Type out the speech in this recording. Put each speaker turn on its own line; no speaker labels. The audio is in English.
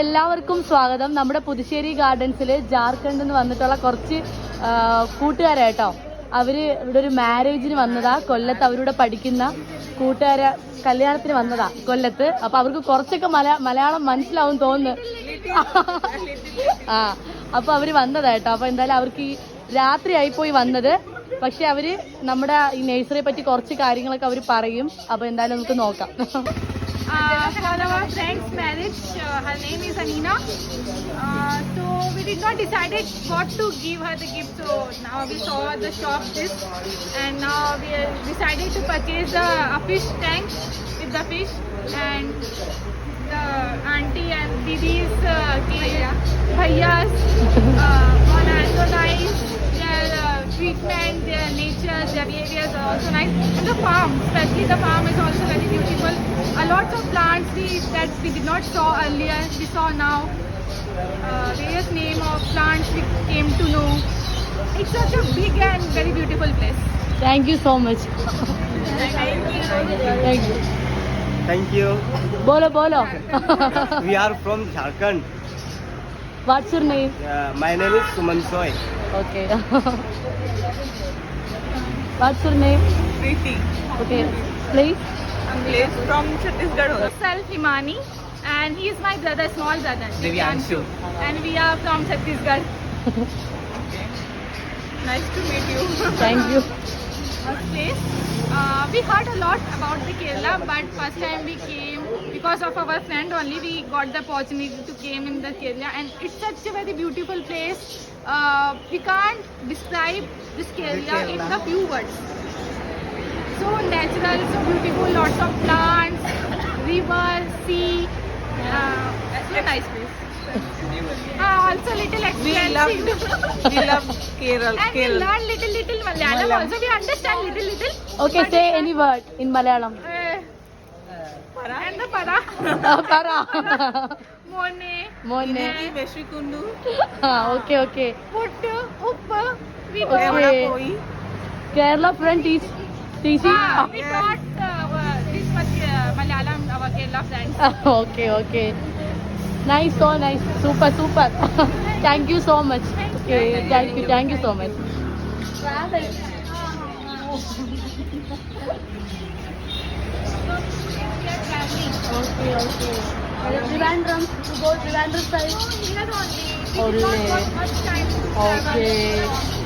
എല്ലാവർക്കും സ്വാഗതം. നമ്മുടെ പുതുശ്ശേരി ഗാർഡൻസിൽ ജാർഖണ്ഡിൽ നിന്ന് വന്നിട്ടുള്ള കുറച്ച് കൂട്ടുകാരായിട്ടോ. അവര് ഇവിടെ ഒരു മാരേജിന് വന്നതാ കൊല്ലത്ത്. അവരുടെ പഠിക്കുന്ന കൂട്ടുകാരെ കല്യാണത്തിന് വന്നതാ കൊല്ലത്ത്. അപ്പൊ അവർക്ക് കുറച്ചൊക്കെ മലയാളം മനസ്സിലാവും തോന്നുന്നു. അപ്പൊ അവര് വന്നതായിട്ടോ. അപ്പൊ എന്തായാലും അവർക്ക് ഈ രാത്രി ആയിപ്പോയി വന്നത്. പക്ഷെ അവര് നമ്മുടെ ഈ നഴ്സറിയെ പറ്റി കുറച്ച് കാര്യങ്ങളൊക്കെ അവര് പറയും. അപ്പൊ എന്തായാലും നമുക്ക് നോക്കാം.
For our friend's marriage, her name is Anina. So we did not decided what to give her the gift. So now we saw the shop this, and now we decided to purchase a fish tank with the fish, and the auntie and didis, bhaiyas, on also nice. Their treatment, their nature, their behaviors are also nice. And the farm, especially the farm, is also very beautiful. A lot of plants that we did not saw earlier, we saw now. Various name of plants we came to know. It's such a big and very beautiful place.
Thank you so much.
Thank you.
Thank you.
Bolo bolo.
We are from Jharkhand.
What's your name?
My name is Suman Soy.
Okay. What's your name?
Preeti.
Okay. Please.
I'm from Chhattisgarh. Self Himani, and he is my brother, small brother.
Divyanshu.
And we are from Chhattisgarh. Nice to meet you.
Thank you.
Place. We heard a lot about the Kerala, but first time we came because of our friend only. We got the opportunity to came in the Kerala, and it's such a very beautiful place. We can't describe this Kerala in the few words. So natural, so beautiful, lots of plants, river, sea. It's a nice place. Also little expensive.
We love Kerala.
And we learn little Malayalam also. We understand little.
Okay, say any word in Malayalam.
And the para.
Para.
Mone.
Mone.
Veshikundu.
Okay.
Puttu. Uppu. We
Okay. Kerala friend is teaching.
we taught this much Malayalam, our Kerala friends.
Okay. Nice, so nice. Super. Thank you so much. Okay, thank you so much. Okay. Trivandrum, to go Trivandrum side.
Here only. We did not got much time to travel.
Okay.